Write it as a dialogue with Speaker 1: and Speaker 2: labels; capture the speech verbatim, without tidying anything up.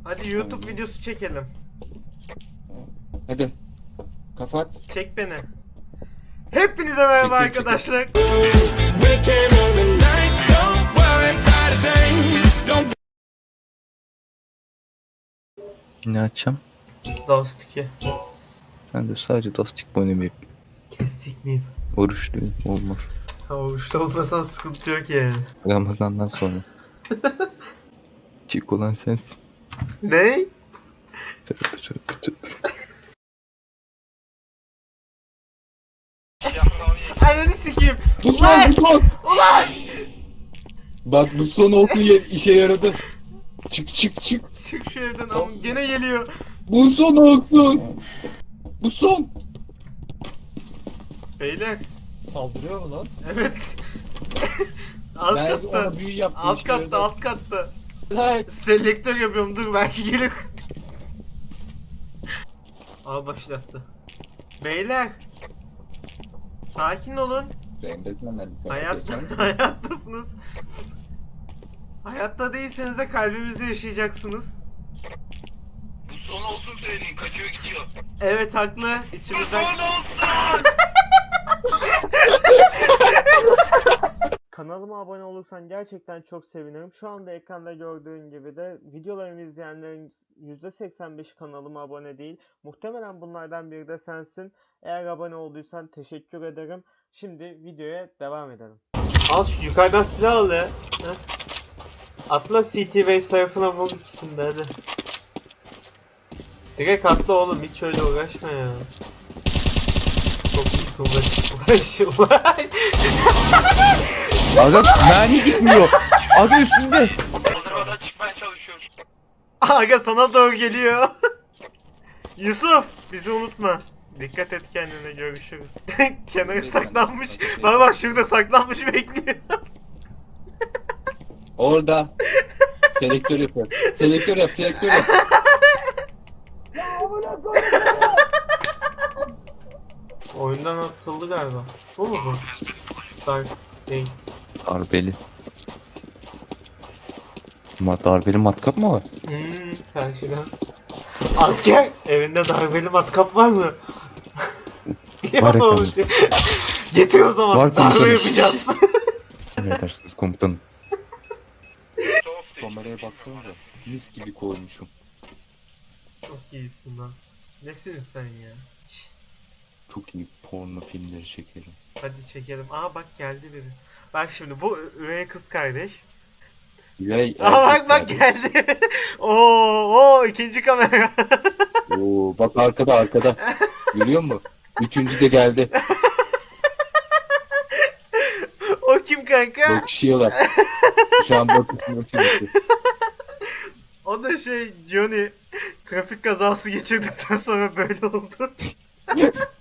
Speaker 1: Hadi YouTube videosu çekelim.
Speaker 2: Hadi. Kapat.
Speaker 1: Çek beni. Hepinize merhaba
Speaker 2: Çekil, çekil.
Speaker 1: arkadaşlar.
Speaker 3: Ne açacağım?
Speaker 1: Dost iki.
Speaker 3: Ben de sadece Dostik oynamayıp
Speaker 1: Kestik miyim?
Speaker 3: oruçluyum olmaz.
Speaker 1: Ha uçta olmasan sıkıntı yok yani.
Speaker 3: Ramazan'dan sonra. Çık olan sensin.
Speaker 1: Ne?
Speaker 3: Tövbe tövbe tövbe.
Speaker 1: Ananı sikeyim.
Speaker 2: Bu son,
Speaker 1: Ulaş!
Speaker 2: bu son.
Speaker 1: Ulaş!
Speaker 2: Bak bu son oldu, ye- işe yaradı. Çık çık çık.
Speaker 1: Çık şu evden
Speaker 2: Son.
Speaker 1: ama gene geliyor.
Speaker 2: Bu son olsun. Bu son.
Speaker 1: Beyler.
Speaker 2: Saldırıyor mu lan?
Speaker 1: Evet. alt
Speaker 2: Ben
Speaker 1: katta.
Speaker 2: ona büyü yaptım.
Speaker 1: Alt
Speaker 2: işe
Speaker 1: katta,
Speaker 2: yaradı.
Speaker 1: alt katta.
Speaker 2: Evet.
Speaker 1: Selektör yapıyorum, dur belki gelir. Al başlattı. Beyler. Sakin olun.
Speaker 2: Benim de hemen bir
Speaker 1: Hayat,
Speaker 2: geçer misin?
Speaker 1: hayattasınız. Hayatta değilseniz de kalbimizde yaşayacaksınız.
Speaker 4: Bu son olsun söyleyeyim, kaçıyor gidiyor.
Speaker 1: Evet haklı.
Speaker 4: Bu
Speaker 1: İçimizden...
Speaker 4: son olsun!
Speaker 1: Kanalıma abone olursan gerçekten çok sevinirim. Şu anda ekranda gördüğün gibi de videolarımı izleyenlerin yüzde seksen beşi kanalıma abone değil. Muhtemelen bunlardan biri de sensin. Eğer abone olduysan teşekkür ederim. Şimdi videoya devam edelim. Al şu yukarıdan silah al ya. Heh. Atla C T Base tarafına vur ikisini de hadi. Direkt atla oğlum, hiç öyle uğraşma ya. Çok iyisin, ulaş ulaş ulaş.
Speaker 3: Aga mermi gitmiyor. Aga üstünde.
Speaker 4: Kaldırmadan çıkmaya çalışıyorum.
Speaker 1: Aga sana doğru geliyor. Yusuf bizi unutma. Dikkat et kendine, görüşürüz. Kenara saklanmış. Bak bak şurada saklanmış bekliyor.
Speaker 2: Orada. Selektör yapıyor. Selektör yap, selektör yap.
Speaker 1: Oyundan atıldı galiba. Bu mu bu? Dark değil.
Speaker 3: Darbeli. Ma darbeli matkap mı var?
Speaker 1: Hmm, karşıdan. Asker! Evinde darbeli matkap var mı?
Speaker 3: Var
Speaker 1: Yok.
Speaker 3: efendim.
Speaker 1: Getir o zaman.
Speaker 3: Var
Speaker 1: Darbe
Speaker 3: komutanım.
Speaker 1: yapacağız.
Speaker 3: Emredersiniz komutanım.
Speaker 4: Çok değil.
Speaker 3: Kameraya baksanıza. Mis gibi koymuşum.
Speaker 1: Çok iyisin lan. Nesin sen ya? Şşt,
Speaker 3: Çok iyi porno filmleri çekerim.
Speaker 1: hadi çekelim. Aa bak geldi biri. Bak şimdi bu üvey kız kardeş.
Speaker 3: Yay
Speaker 1: Aa bak bak geldi. Oo, oo ikinci kamera.
Speaker 3: Oo, bak arkada arkada. Görüyor musun? Üçüncü de geldi.
Speaker 1: O kim kanka?
Speaker 3: Bakışıyorlar. Şu an bakışıyor çünkü.
Speaker 1: O da şey Johnny. Trafik kazası geçirdikten sonra böyle oldu.